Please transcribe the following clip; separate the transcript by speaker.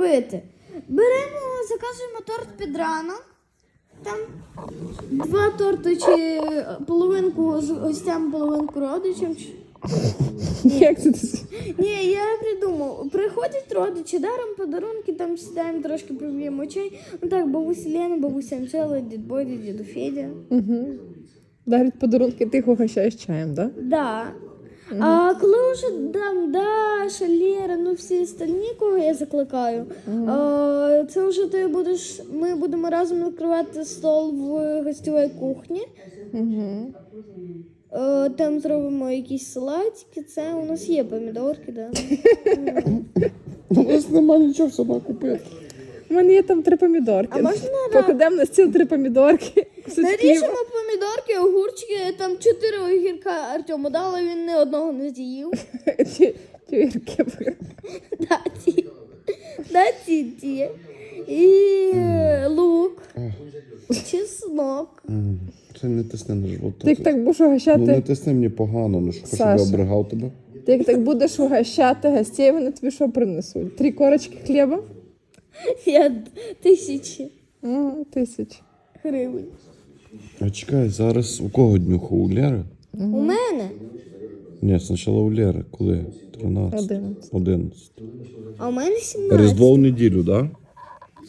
Speaker 1: робити? Беремо, заказуємо торт під ранок. Там 2 торти чи половинку з гостям, половинку родичам.
Speaker 2: Як це ти?
Speaker 1: Ні, я придумав. Приходять родичі, даром подарунки, там сідаємо, трошки проб'ємо чай. Ну так, бабуся Лена, бабуся Анжела, дід Бодя, діду Федя.
Speaker 2: Угу. Дарять подарунки, ти їх угощаєш чаєм, так? Да?
Speaker 1: Да. А коли вже там Даша, Лера, ну всі остальні, кого я закликаю, це вже ми будемо разом накривати стол в гостьовій кухні.
Speaker 2: Угу.
Speaker 1: Там зробимо якісь салатики, це у нас є помідорки, да.
Speaker 3: У нас немає нічого сама купити.
Speaker 2: У мене є там 3 помідорки.
Speaker 1: А можна
Speaker 2: покладемо на стіл 3 помідорки.
Speaker 1: наріжемо помідорки, огурчики, там 4 огірка Артему дали, він ні одного не з'їв.
Speaker 2: Тюрки.
Speaker 1: Да, ті. І лук, чеснок.
Speaker 3: Це не тисни на живот.
Speaker 2: Ти як так будеш
Speaker 3: Ну
Speaker 2: угощати?
Speaker 3: не тисни мені погано, ну що щоб я
Speaker 2: Саша.
Speaker 3: обригав тебе.
Speaker 2: Ти як так будеш угощати гостей, вони тобі що принесуть? 3 корочки хліба?
Speaker 1: Я 1000
Speaker 2: 1000.
Speaker 1: гривень.
Speaker 3: А чекай, зараз у кого днюха? У Лєри?
Speaker 1: У мене?
Speaker 3: Ні, спочатку у Лєри. Коли? 13?
Speaker 2: 11.
Speaker 3: 11.
Speaker 1: А у мене 17.
Speaker 3: Різдво в неділю, так? Да?